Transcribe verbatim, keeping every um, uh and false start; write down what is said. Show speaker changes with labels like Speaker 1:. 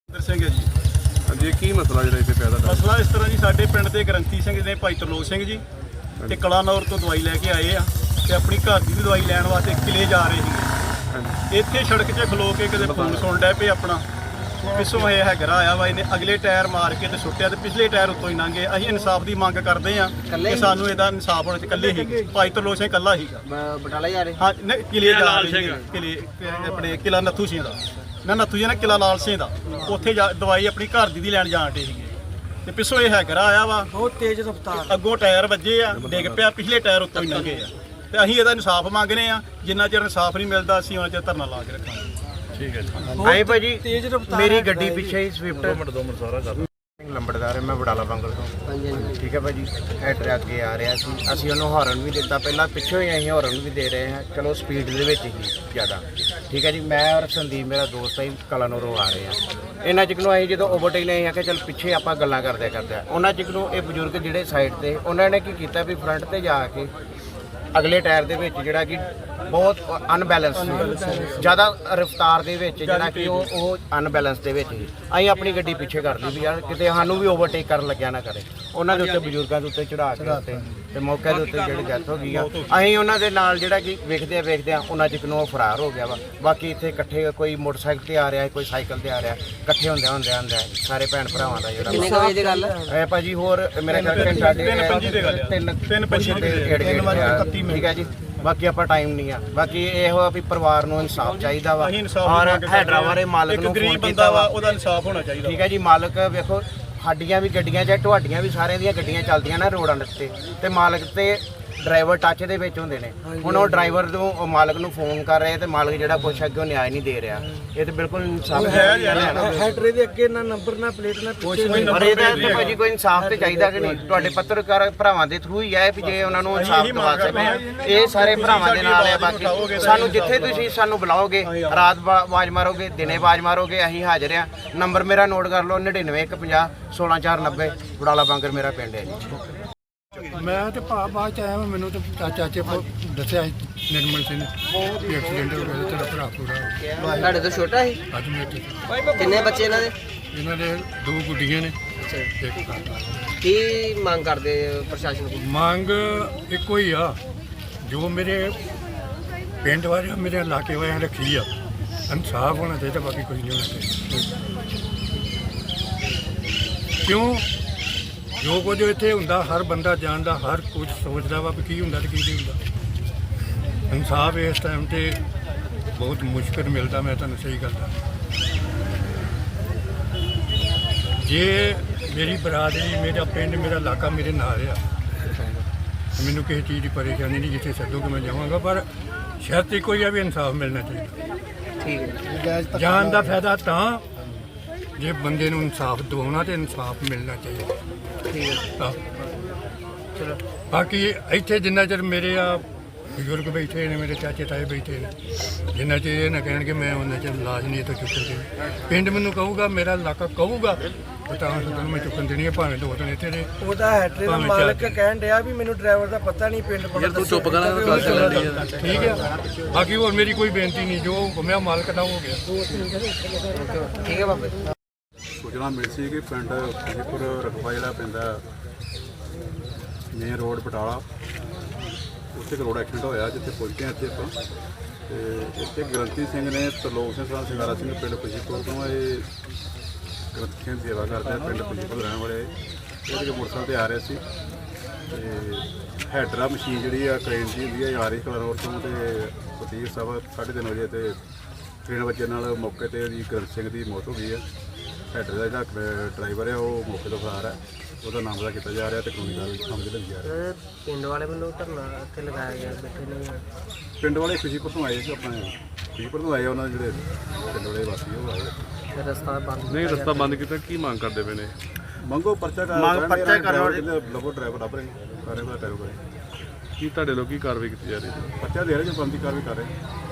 Speaker 1: ਸਿੰਘ ਹੈ ਜੀ।
Speaker 2: ਹਾਂਜੀ, ਕੀ ਮਸਲਾ ਜਿਹੜਾ ਇੱਥੇ ਪੈਦਾ ਹੋਇਆ?
Speaker 1: ਮਸਲਾ ਇਸ ਤਰ੍ਹਾਂ ਜੀ, ਸਾਡੇ ਪਿੰਡ ਦੇ ਗ੍ਰੰਥੀ ਸਿੰਘ ਨੇ ਭਾਈ ਤਰਲੋਕ ਸਿੰਘ ਜੀ ਤੇ ਕਲਾਨੌਰ ਤੋਂ ਦਵਾਈ ਲੈ ਕੇ ਆਏ ਆ ਤੇ ਆਪਣੀ ਘਰ ਦੀ ਵੀ ਦਵਾਈ ਲੈਣ ਵਾਸਤੇ ਕਿਲੇ ਜਾ ਰਹੇ ਸੀਗੇ। ਇੱਥੇ ਸੜਕ 'ਚ ਖਲੋ ਕੇ ਕਿਤੇ ਫੋਨ ਸੁਣ ਡੈ ਪਏ ਆਪਣਾ, ਪਿੱਛੋਂ ਇਹ ਹੈਗਰਾ ਆਇਆ ਵਾ, ਇਹਨੇ ਅਗਲੇ ਟਾਇਰ ਮਾਰ ਕੇ ਤੇ ਸੁੱਟਿਆ ਤੇ ਪਿਛਲੇ ਟਾਇਰ ਉੱਤੋਂ ਹੀ ਲੰਘੇ। ਅਸੀਂ ਇਨਸਾਫ ਦੀ ਮੰਗ ਕਰਦੇ ਆ ਕਿ ਸਾਨੂੰ ਇਹਦਾ ਇਨਸਾਫ ਹੋਣਾ ਚਾਹੀਦਾ। ਇਕੱਲੇ ਹੀ ਭਾਈ ਤਰਲੋਕ ਸਿੰਘ ਇਕੱਲਾ ਸੀਗਾ।
Speaker 3: ਬਟਾਲਾ ਜਾ ਰਹੇ
Speaker 1: ਹਾਂ, ਨਹੀਂ ਕਿਲੇ ਜਾ ਰਹੇ ਸੀਗੇ, ਕਿਲੇ ਆਪਣੇ ਕਿਲਾ ਨੱਥੂ ਸਿੰਘ ਦਾ ਨਾ ਨੱਥੂ ਜੀ ਨਾ ਕਿਲਾ ਲਾਲ ਸਿੰਘ ਦਾ, ਉੱਥੇ ਜਾ ਦਵਾਈ ਆਪਣੀ ਘਰ ਦੀ ਦੀ ਲੈਣ ਜਾਣ ਡੇ ਸੀਗੇ ਤੇ ਪਿੱਛੋਂ ਇਹ ਹੈਗਰਾ ਆਇਆ ਵਾ,
Speaker 3: ਬਹੁਤ ਤੇਜ਼ ਰਫ਼ਤਾਰ,
Speaker 1: ਅੱਗੋਂ ਟਾਇਰ ਵੱਜੇ ਆ, ਡਿੱਗ ਪਿਆ, ਪਿਛਲੇ ਟਾਇਰ ਉੱਤੋਂ ਹੀ ਲੰਘੇ ਆ ਤੇ ਅਸੀਂ ਇਹਦਾ ਇਨਸਾਫ ਮੰਗਦੇ ਆ। ਜਿੰਨਾ ਚਿਰ ਇਨਸਾਫ ਨਹੀਂ ਮਿਲਦਾ ਅਸੀਂ ਉਹਨਾਂ ਚਿਰ ਧਰਨਾ ਲਾ ਕੇ ਰੱਖਾਂਗੇ।
Speaker 2: ਠੀਕ ਹੈ ਜੀ।
Speaker 3: ਆਏ ਭਾਜੀ ਤੇਜ਼ ਰਫ਼ਤਾਰ, ਮੇਰੀ ਗੱਡੀ ਪਿੱਛੇ ਹੀ ਸਵਿਫਟ
Speaker 2: ਦੋ ਮਿੰਟ ਦੋ ਮਿੰਟ ਸਾਰਾ ਕਰ
Speaker 4: ਲੰਬੜਦਾਰ ਹੈ, ਮੈਂ ਬਟਾਲਾ ਬੰਗਲ ਤੋਂ। ਠੀਕ ਹੈ ਭਾਜੀ, ਹੈਡਰ ਅੱਗੇ ਆ ਰਿਹਾ ਸੀ, ਅਸੀਂ ਉਹਨੂੰ ਹਾਰਨ ਵੀ ਦਿੱਤਾ ਪਹਿਲਾਂ, ਪਿੱਛੋਂ ਹੀ ਅਸੀਂ ਹਾਰਨ ਵੀ ਦੇ ਰਹੇ ਹਾਂ। ਚਲੋ ਸਪੀਡ ਦੇ ਵਿੱਚ ਹੀ ਜ਼ਿਆਦਾ। ਠੀਕ ਹੈ ਜੀ, ਮੈਂ ਔਰ ਸੰਦੀਪ ਮੇਰਾ ਦੋਸਤ ਹੈ, ਕਲਾਨੌਰੋਂ ਆ ਰਹੇ ਹਾਂ। ਇਹਨਾਂ ਚਿਕ ਨੂੰ ਅਸੀਂ ਜਦੋਂ ਓਵਰਟੇਕ ਲਈ ਆਖਿਆ ਚੱਲ ਪਿੱਛੇ ਆਪਾਂ ਗੱਲਾਂ ਕਰਦੇ ਕਰਦੇ ਉਹਨਾਂ ਚਿਕ ਨੂੰ ਇਹ ਬਜ਼ੁਰਗ ਜਿਹੜੇ ਸਾਈਡ ਤੇ, ਉਹਨਾਂ ਨੇ ਕੀ ਕੀਤਾ ਵੀ ਫਰੰਟ ਤੇ ਜਾ ਕੇ ਅਗਲੇ ਟਾਇਰ ਦੇ ਵਿੱਚ ਜਿਹੜਾ ਕਿ ਬਹੁਤ ਅਨਬੈਲੈਂਸ ਸੀ, ਜ਼ਿਆਦਾ ਰਫ਼ਤਾਰ ਦੇ ਵਿੱਚ ਜਿਹੜਾ ਕਿ ਉਹ ਉਹ ਅਨਬੈਲੈਂਸ ਦੇ ਵਿੱਚ ਸੀ। ਅਸੀਂ ਆਪਣੀ ਗੱਡੀ ਪਿੱਛੇ ਕਰ ਲਈ ਵੀ ਯਾਰ ਕਿਤੇ ਸਾਨੂੰ ਵੀ ਓਵਰਟੇਕ ਕਰਨ ਲੱਗਿਆ ਨਾ ਕਰੇ। ਉਹਨਾਂ ਦੇ ਉੱਤੇ ਬਜ਼ੁਰਗਾਂ ਦੇ ਉੱਤੇ ਚੜ੍ਹਾ ਕੇ ਉੱਤੇ ਤੇ ਮੌਕੇ ਦੇ ਉੱਤੇ ਜਿਹੜੀ ਡੈਥ ਹੋ ਗਈ ਆ, ਅਸੀਂ ਉਹਨਾਂ ਦੇ ਨਾਲ ਜਿਹੜਾ ਕਿ ਵੇਖਦੇ ਆ ਵੇਖਦੇ ਆ ਉਹਨਾਂ ਚਿਕ ਨੂੰ ਉਹ ਫਰਾਰ ਹੋ ਗਿਆ ਵਾ। ਬਾਕੀ ਇੱਥੇ ਇਕੱਠੇ ਕੋਈ ਮੋਟਰਸਾਈਕਲ ਤੇ ਆ ਰਿਹਾ, ਕੋਈ ਸਾਈਕਲ ਤੇ ਆ ਰਿਹਾ, ਇਕੱਠੇ ਹੁੰਦੇ ਹੁੰਦੇ ਹੁੰਦੇ ਸਾਰੇ ਭੈਣ ਭਰਾਵਾਂ ਦਾ ਜਿਹੜਾ
Speaker 3: ਕਿੰਨੇ ਵਜੇ ਦੀ ਗੱਲ
Speaker 4: ਇਹ ਭਾਜੀ ਹੋਰ ਮੇਰੇ ਖਿਆਲ ਘੰਟਾ ਤਿੰਨ ਤਿੰਨ ਪੰਜੀ ਠੀਕ ਹੈ ਜੀ। ਬਾਕੀ ਆਪਾਂ ਟਾਈਮ ਨਹੀਂ ਆ, ਬਾਕੀ ਇਹ ਹੋਇਆ ਵੀ ਪਰਿਵਾਰ ਨੂੰ ਇਨਸਾਫ ਚਾਹੀਦਾ ਵਾ ਔਰ ਹੈਡਰਾ ਵਾਲੇ ਮਾਲਕ ਨੂੰ ਫੋਨ ਕੀਤਾ ਵਾ,
Speaker 1: ਉਹਦਾ ਇਨਸਾਫ ਹੋਣਾ ਚਾਹੀਦਾ।
Speaker 4: ਠੀਕ ਹੈ ਜੀ, ਮਾਲਕ ਵੇਖੋ ਸਾਡੀਆਂ ਵੀ ਗੱਡੀਆਂ ਚਾਹੇ ਤੁਹਾਡੀਆਂ ਵੀ ਸਾਰਿਆਂ ਦੀਆਂ ਗੱਡੀਆਂ ਚੱਲਦੀਆਂ ਨਾ ਰੋਡਾਂ ਦੇ ਉੱਤੇ, ਤੇ ਮਾਲਕ ਤੇ ਡਰਾਈਵਰ ਟੱਚ ਦੇ ਵਿੱਚ ਹੁੰਦੇ ਨੇ। ਹੁਣ ਉਹ ਡਰਾਈਵਰ ਨੂੰ ਮਾਲਕ ਨੂੰ ਫੋਨ ਕਰ ਰਹੇ ਤੇ ਮਾਲਕ ਜਿਹੜਾ ਕੁਛ ਅੱਗੇ ਨਿਆਂ ਨਹੀਂ ਦੇ ਰਿਹਾ। ਇਹ ਤੇ ਬਿਲਕੁਲ ਇਨਸਾਫ ਹੈ।
Speaker 3: ਹੈਡਰੇ ਦੇ ਅੱਗੇ ਨਾ ਨੰਬਰ ਨਾ ਪਲੇਟ ਨਾ
Speaker 4: ਕੁਛ ਨਹੀਂ, ਪਰ ਇਹਦਾ ਤੇ ਭਾਜੀ ਕੋਈ ਇਨਸਾਫ ਤੇ ਚਾਹੀਦਾ ਕਿ ਨਹੀਂ? ਤੁਹਾਡੇ ਪੱਤਰਕਾਰ ਭਰਾਵਾਂ ਦੇ ਥਰੂ ਹੀ ਆਏ ਵੀ ਜੇ ਉਹਨਾਂ ਨੂੰ ਇਨਸਾਫ ਦਵਾ ਸਕੇ। ਇਹ ਸਾਰੇ ਭਰਾਵਾਂ ਦੇ ਨਾਲ ਆ। ਬਾਕੀ ਸਾਨੂੰ ਜਿੱਥੇ ਤੁਸੀਂ ਸਾਨੂੰ ਬੁਲਾਓਗੇ, ਰਾਤ ਆਵਾਜ਼ ਮਾਰੋਗੇ, ਦਿਨੇ ਆਵਾਜ਼ ਮਾਰੋਗੇ, ਅਸੀਂ ਹਾਜ਼ਰ ਆ। ਨੰਬਰ ਮੇਰਾ ਨੋਟ ਕਰ ਲਓ, ਨੜਿਨਵੇਂ ਇੱਕ ਪੰਜਾਹ ਸੋਲਾਂ ਚਾਰ ਨੱਬੇ, ਬਟਾਲਾ ਬੰਗਰ ਮੇਰਾ ਪਿੰਡ ਹੈ ਜੀ।
Speaker 5: ਮੈਂ ਤੇ ਭਾ ਬਾਅਦ ਚ ਆਇਆ, ਮੈਨੂੰ ਤੇ ਚਾਚੇ ਕੋ ਦੱਸਿਆ ਸੀ ਨਿਰਮਲ ਸਿੰਘ ਵੀ ਐਕਸੀਡੈਂਟ ਹੋ ਗਿਆ, ਤੇਰਾ ਭਰਾ ਪੂਰਾ ਹੋ ਗਿਆ।
Speaker 3: ਤੁਹਾਡੇ ਤੋਂ ਛੋਟਾ ਸੀ?
Speaker 5: ਅੱਜ ਮੇਰੇ
Speaker 3: ਕਿੰਨੇ ਬੱਚੇ ਇਹਨਾਂ ਦੇ?
Speaker 5: ਇਹਨਾਂ ਦੇ ਦੋ ਗੁੱਡੀਆਂ ਨੇ, ਇੱਕ ਕਾਕਾ।
Speaker 3: ਕੀ ਮੰਗ ਕਰਦੇ ਪ੍ਰਸ਼ਾਸਨ ਕੋਲ?
Speaker 5: ਮੰਗ ਇੱਕੋ ਹੀ ਆ, ਜੋ ਮੇਰੇ ਪਿੰਡ ਵਾਲਿਆਂ ਮੇਰੇ ਇਲਾਕੇ ਵਾਲਿਆਂ ਰੱਖੀ ਆ, ਇਨਸਾਫ ਹੋਣਾ ਚਾਹੀਦਾ, ਬਾਕੀ ਕੁਝ ਨਹੀਂ ਹੋਣਾ ਚਾਹੀਦਾ। ਕਿਉਂ ਜੋ ਕੁਝ ਇੱਥੇ ਹੁੰਦਾ ਹਰ ਬੰਦਾ ਜਾਣਦਾ, ਹਰ ਕੁਝ ਸੋਚਦਾ ਵਾ ਵੀ ਕੀ ਹੁੰਦਾ ਤੇ ਕੀ ਨਹੀਂ ਹੁੰਦਾ। ਇਨਸਾਫ ਇਸ ਟਾਈਮ ਤੇ ਬਹੁਤ ਮੁਸ਼ਕਿਲ ਮਿਲਦਾ, ਮੈਂ ਤੁਹਾਨੂੰ ਸਹੀ ਗੱਲ ਦੱਸਾਂ। ਜੇ ਮੇਰੀ ਬਰਾਦਰੀ, ਮੇਰਾ ਪਿੰਡ, ਮੇਰਾ ਇਲਾਕਾ ਮੇਰੇ ਨਾਲ ਆ, ਮੈਨੂੰ ਕਿਸੇ ਚੀਜ਼ ਦੀ ਪਰੇਸ਼ਾਨੀ ਨਹੀਂ, ਜਿੱਥੇ ਸੱਦੋਗੇ ਮੈਂ ਜਾਵਾਂਗਾ, ਪਰ ਸ਼ਰਤ ਇੱਕੋ ਹੀ ਆ ਵੀ ਇਨਸਾਫ ਮਿਲਣਾ ਚਾਹੀਦਾ।
Speaker 3: ਠੀਕ ਹੈ।
Speaker 5: ਜਾਨ ਦਾ ਫਾਇਦਾ ਤਾਂ ਜੇ ਬੰਦੇ ਨੂੰ ਇਨਸਾਫ ਦਿਵਾਉਣਾ ਤੇ ਇਨਸਾਫ ਮਿਲਣਾ ਚਾਹੀਦਾ।
Speaker 3: ਠੀਕ ਹੈ,
Speaker 5: ਚਲੋ ਬਾਕੀ ਇੱਥੇ ਜਿੰਨਾ ਚਿਰ ਮੇਰੇ ਆ ਬਜ਼ੁਰਗ ਬੈਠੇ ਨੇ, ਮੇਰੇ ਚਾਚੇ ਤਾਏ ਬੈਠੇ ਨੇ, ਜਿੰਨਾ ਚਿਰ ਇਹ ਨਾ ਕਹਿਣਗੇ ਮੈਂ ਉਹਨਾਂ ਚਿਰ ਇਲਾਜ ਨਹੀਂ ਇੱਥੋਂ ਚੁੱਕਣ ਦੇਣੀ। ਪਿੰਡ ਮੈਨੂੰ ਕਹੂਗਾ, ਮੇਰਾ ਇਲਾਕਾ ਕਹੂਗਾ ਤਾਂ ਤੁਹਾਨੂੰ ਮੈਂ ਚੁੱਕਣ ਦੇਣੀ ਹੈ, ਭਾਵੇਂ ਦੋ ਦਿਨ ਇੱਥੇ ਦੇ।
Speaker 3: ਉਹਦਾ ਹੈਡਰੇ ਦਾ ਮਾਲਕ ਕਹਿਣ ਡਿਆ ਵੀ ਮੈਨੂੰ ਡਰਾਈਵਰ ਦਾ ਪਤਾ ਨਹੀਂ, ਪਿੰਡ ਪਤਾ।
Speaker 2: ਤੂੰ ਚੁੱਪ ਕਰਾਂ, ਗੱਲ ਚੱਲਦੀ ਹੈ।
Speaker 5: ਠੀਕ ਹੈ, ਬਾਕੀ ਹੋਰ ਮੇਰੀ ਕੋਈ ਬੇਨਤੀ ਨਹੀਂ, ਜੋ ਹੁਕਮਿਆ ਮਾਲਕ ਦਾ ਹੋ ਗਿਆ।
Speaker 3: ਠੀਕ ਹੈ ਬਾਬੇ।
Speaker 6: ਸੂਚਨਾ ਮਿਲੀ ਸੀ ਕਿ ਪਿੰਡ ਖੁਸ਼ੀਪੁਰ ਰਕਬਾ ਜਿਹੜਾ ਪੈਂਦਾ ਮੇਨ ਰੋਡ ਬਟਾਲਾ, ਉੱਥੇ ਇੱਕ ਰੋਡ ਐਕਸੀਡੈਂਟ ਹੋਇਆ, ਜਿੱਥੇ ਪਹੁੰਚੇ ਹਾਂ ਇੱਥੇ ਆਪਾਂ। ਅਤੇ ਇੱਥੇ ਗ੍ਰੰਥੀ ਸਿੰਘ ਨੇ ਤਰਲੋਕ ਸਿੰਘ ਸਾਹਿਬ ਸਿੰਘਾਰਾ ਸਿੰਘ ਪਿੰਡ ਖੁਸ਼ੀਪੁਰ ਤੋਂ, ਇਹ ਗ੍ਰੰਥੀ ਸਿੰਘ ਸੇਵਾ ਕਰਦੇ ਆ, ਪਿੰਡ ਖੁਸ਼ੀਪੁਰ ਰਹਿਣ ਵਾਲੇ। ਇਹ ਜਿਹੜੇ ਮੋਟਰਸਾਈਕਲ 'ਤੇ ਆ ਰਹੇ ਸੀ ਅਤੇ ਹੈਡਰਾ ਮਸ਼ੀਨ ਜਿਹੜੀ ਆ ਕ੍ਰੇਨ ਦੀ ਹੁੰਦੀ ਹੈ, ਆ ਰਹੀ ਕਲਾਨੌਰ ਤੋਂ, ਅਤੇ ਸਤੀਰ ਸਾਹਿਬ ਸਾਢੇ ਤਿੰਨ ਵਜੇ ਅਤੇ ਟ੍ਰੇਨ ਵੱਜਣ ਨਾਲ ਮੌਕੇ 'ਤੇ ਜੀ ਗ੍ਰੰਥੀ ਸਿੰਘ ਦੀ ਮੌਤ ਹੋ ਗਈ ਹੈ। ਹੈਡਰ ਦਾ ਜਿਹੜਾ ਡਰਾਈਵਰ ਹੈ ਉਹ ਮੌਕੇ ਤੋਂ ਫਰਾਰ ਹੈ, ਉਹਦਾ ਨਾਮ ਦਾ ਕੀਤਾ ਜਾ ਰਿਹਾ ਤੇ ਕਾਨੂੰਨੀ ਕਾਰਵਾਈ ਸਮਝ ਲਈ ਜਾ ਰਹੀ।
Speaker 3: ਪਿੰਡ ਵਾਲੇ ਵੱਲੋਂ ਧਰਨਾ ਇੱਥੇ ਲਗਾਇਆ ਗਿਆ, ਬੈਠੇ ਨੇ।
Speaker 6: ਪਿੰਡ ਵਾਲੇ ਖੁਸ਼ੀਪੁਰ ਤੋਂ ਆਏ ਸੀ, ਆਪਣੇ ਖੁਸ਼ੀਪੁਰ ਤੋਂ ਆਏ, ਉਹਨਾਂ ਦੇ ਜਿਹੜੇ ਪਿੰਡ ਵਾਲੇ ਵਾਸੀ ਉਹ ਆਏ।
Speaker 3: ਫਿਰ ਰਸਤਾ ਬੰਦ
Speaker 2: ਨਹੀਂ, ਰਸਤਾ ਬੰਦ ਕੀਤਾ, ਕੀ ਮੰਗ ਕਰਦੇ ਪਏ ਨੇ?
Speaker 6: ਮੰਗੋ ਪਰਚਾ ਕਰ ਪਰਚਾ ਕਰਨ ਲੱਗੋ, ਡਰਾਈਵਰ ਲੱਭ ਰਹੇ ਸਾਰੇ ਦਾ ਟੈਰੋ ਕਰੇ।
Speaker 2: ਕੀ ਤੁਹਾਡੇ ਲੋਕ ਕੀ ਕਾਰਵਾਈ ਕੀਤੀ ਜਾ ਰਹੀ ਹੈ?
Speaker 6: ਪਰਚਾ ਦੇ ਰਹੇ ਜੋ ਬੰਦੀ ਕਾਰਵਾਈ ਕਰ ਰਹੇ।